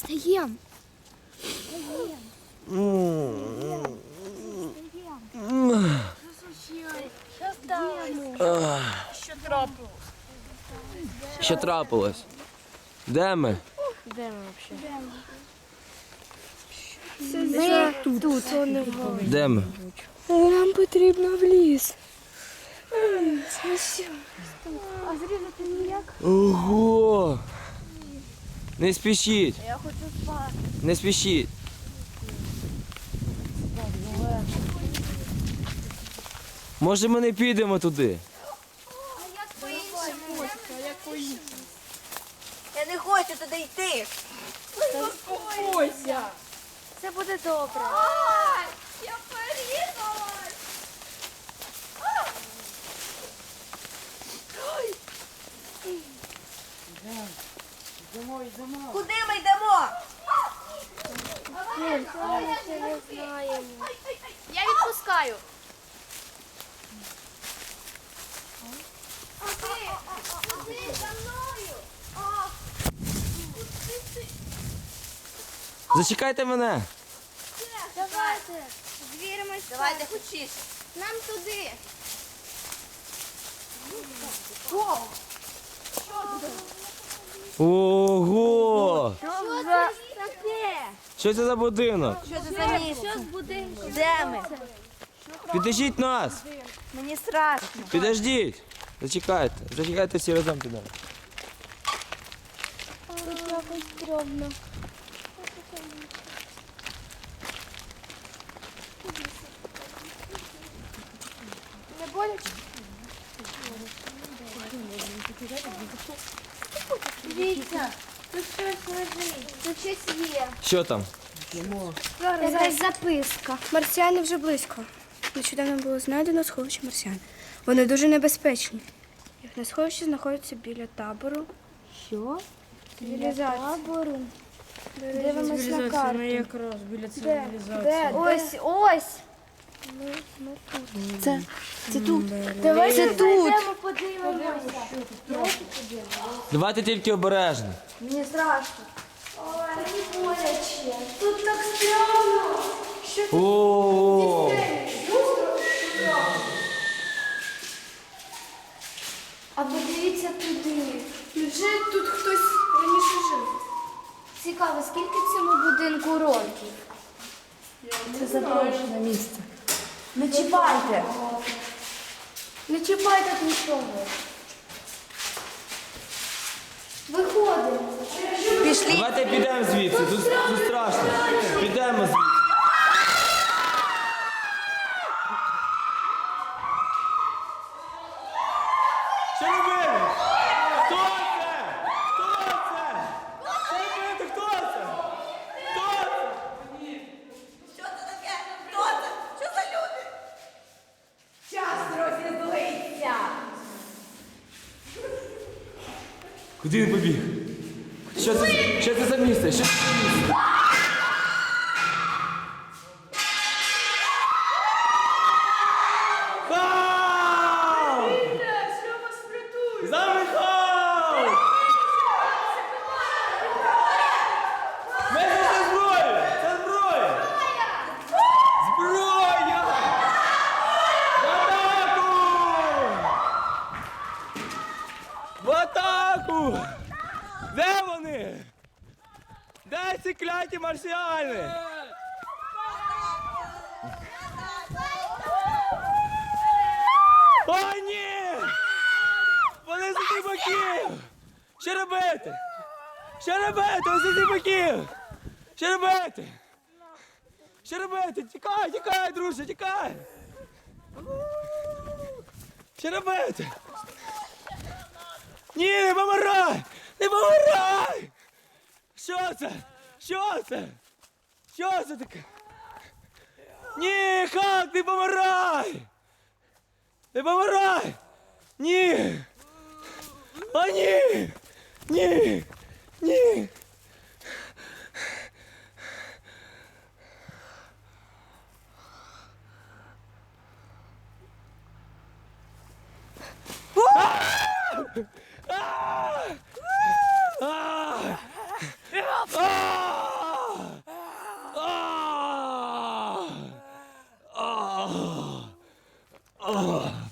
Встаєм. Що трапилось? Де ми? Де ми взагалі? Ми тут. Де ми? Нам потрібно в ліс. Це все. А зрізати ніяк? Ого! Не спішіть, Я хочу спати. не спішіть. Може ми не підемо туди? А як по-іншому? Я не хочу туди йти. Заспокойся. Це буде добре. Я порізалась. Куди ми йдемо? Ми ще не знаємо. Я відпускаю. Куди за мною? Зачекайте мене. Давайте. Звіримось. Давайте хочеш. Нам туди. Ого! Що це таке? Що це за будинок? Що це за місце? Що з будинку? Де ми? Підождіть нас! Мені страшно. Підождіть! Зачекайте, зачекайте всі разом підемо. Тут якось стрьомно. Не боляче? Дивіться, тут щось лежить, тут щось є. Що там? Якась записка. Марсіани вже близько. Нещодавно було знайдено сховище марсіан. Вони дуже небезпечні. Їхнє сховище знаходиться біля табору. Що? Цивілізації. Табору. Дивимось на карту. Якраз біля Де? цивілізації. Де? Ось, ось. Це тут. Давайте тут. Подивимося. Давайте тільки обережно. Мені страшно. Ой, не боляче. Тут так стрьомно. Що тут? О! А подивіться туди. Вже тут хтось раніше жив. Цікаво, скільки в цьому будинку років? Це запрошене місце. Не чіпайте. Не чіпайте нічого. Виходимо. Пішли. Давайте підемо звідси, тут страшно. Підемо звідси. Що робити? Хто це? Хто це? Що робити? Хто це? Хто це? Що це таке? Хто це? Що за люди? Час розізлиться. Куди він побіг? Що це за місце? Що це за місце? Хау! За нами хау! Ми це зброя! Це зброя! Зброя! В атаку! В атаку! Де вони? Де ці кляті марсіани? О, ні! Вони з усіх боків! Що робити? Що робити? Ось з усіх боків! Що робити? Що робити? Тікай, тікай, друже, тікай! Що робити? Ні, не помирай! Не помирай! Що це? Що це? Що це таке? Ні, Халк, не помирай! Не помирай! Ні! О, ні! Ні! Ні! Ah!